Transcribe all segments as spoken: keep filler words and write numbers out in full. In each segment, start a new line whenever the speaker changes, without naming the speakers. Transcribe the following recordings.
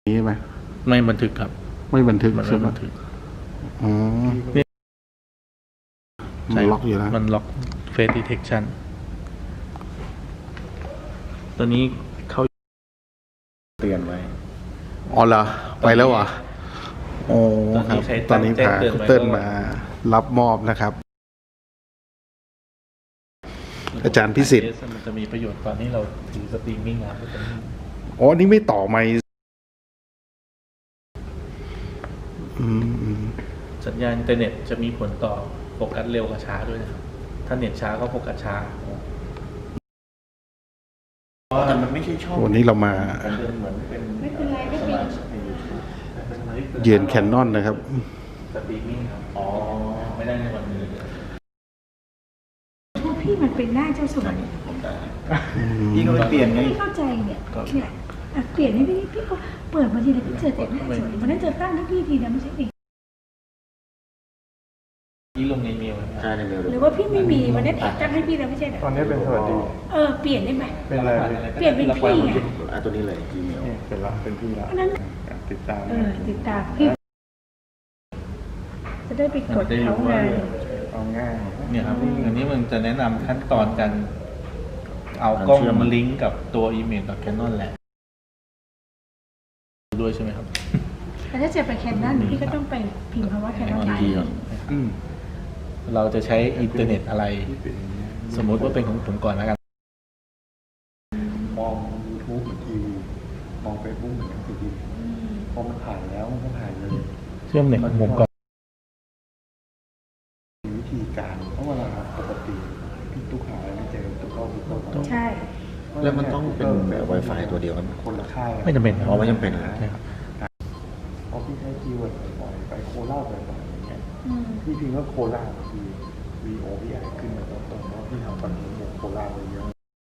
นี้ไหม
ไม่บันทึกครับ
ไม่บันทึก
มัน
ใช่
ไม่
ไหม
บันทึก
อ๋อมันล็อกอยู่แล้ว
มันล็อก Face Detection ตอนนี้เขาเตือนไว้
อ๋อเหรอไปแล้วเหรอโอ้ครับตอนนี้พาคุณเติ้ลมารับมอบนะครับ อาจารย์พิสิทธิ์
มันจะมีประโยชน์ตอนที่เราถือสตรีมมิ่งนะ
อ๋อนี่ไม่ต่อไมค์
สัญญาณอินเทอร์เน็ตจะมีผลต่อโฟกัสเร็วกับช้าด้วยนะครับถ้าเน็ตช้าก็โฟกัสช้าแต่มันไม่ใช่ช่อง
วันนี้เรามาเยือนแคนนอนนะครับ
สตรีมมิ่งครับอ๋อไม่ได้ในวันนี้
พวกพี่มันเป็นหน้าเจ้าสัว
พี่ก็ไม่เปลี่ยนไง
ไม่เข้าใจเนี่ยเนี่ยเปลี่ยนให้พี่พี่ก็เปิดมาทีละพี่เจอแต่หน้าสวยวันนั้นเจอตั้งให้พี่ทีนะไม่ใช่ดิ
พี่ลงในเมลใช่ในเมล
หรือว่าพี่ไม่มีวันนั้นตั้งให้พี่แล้วไม่ใช่เหรอ
ตอนนี้เป็นสวัสดี
เออเปลี่ยนได้ไหม
เป็นอะไร
เปลี่ยนเป็นพี่ไง
อ่ะตัวนี้เลย Gmail
เป็นละเป็นพี่ละติดตาม
เออติดตามพี่จะได้ไปกดเขาไง
เอาง่าย
เนี่ยครับอันนี้มันจะแนะนำขั้นตอนการเอากล้องมาลิงก์กับตัวอีเมลกับ Canon แหละด้วยใช่ไหมครับ
แต่ถ้าจะไปแคนนอนพี่ก็ต้องไปพิมพ์คำว่าแคนนอนไลน์
เราจะใช้อินเทอร์เน็ตอะไรสมมติว่าเป็นของผมก่อนแล้วกัน
มอง YouTube เหมือนทีวีมอง Facebook เหมือนหนังสือพิมพ์พอมันผ่านแล้วมันก็ผ่านเลย
เชื่อมเน็ตของผมก่อน
วิธีการเพราะว่าปกติพี่ตุ๊กหาไม่เจอตุ๊กเข้าตุ๊กเข้า
ใช่
แล้วมันต้องเป็น Wi-Fi ตัวเดียวกัน
คนละค่าย
ไม่จำเป็นอ๋อไม่จำเป็นนะครับ
พอพี่ใช้คีย์เวิร์ดบ่อยๆไปโคราชบ่อยๆอย่างเงี้ยพี่พิมพ์ว่าโคราชคือ วี โอ พี ไอ ขึ้นมาตรงๆเพราะพี่ทำตอนนี้โคราชเลยเยอะ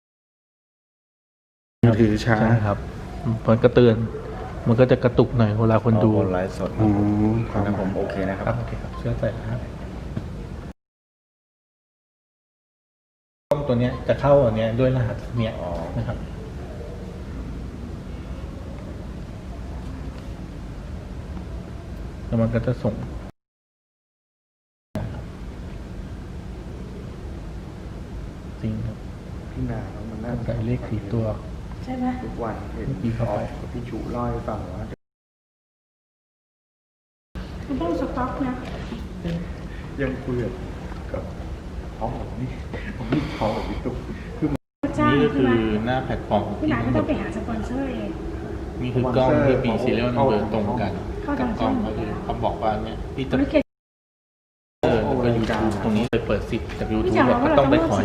ถือช้า
ครับมันก็เตือนมันก็จะกระตุกหน่อยเวลาคนดู
ไลฟ์สด
อืมครับ
ผมโอเคนะครับ
โอเคครับเชื่อใจนะครับกล้องตัวนี้จะเข้าอันนี้ด้วยรหัสเนี้ยนะครับแล้วมันก็จะส่งจริงครับ
พี่นาเรามันน่า
ใส่เลขสี่ตัว
ใช่ไหม
ทุกวันเห็นพี่เขาพี่ชูเล่าให้ฟังว่า
มันต้องสต็อกนะ
ยังคุยกับท้องผมนี่ผมนี่ท้องกับพี่ตุ๊กคือ
นี่ก็คือหน้าแพลตฟอร์ม
พี่หลานก็ต้องไปหาสปอนเซอร์เอง
นี่คือกล้องที่มีซีเรียลนัมเบอร์ตรงกันกับกล้องก็คือเขาบอกว่าเนี่ยพี่จะเออก็ยูทูบตรงนี้เลยเปิดสิทธิ์จากยูทูบก็ต้องไปขอ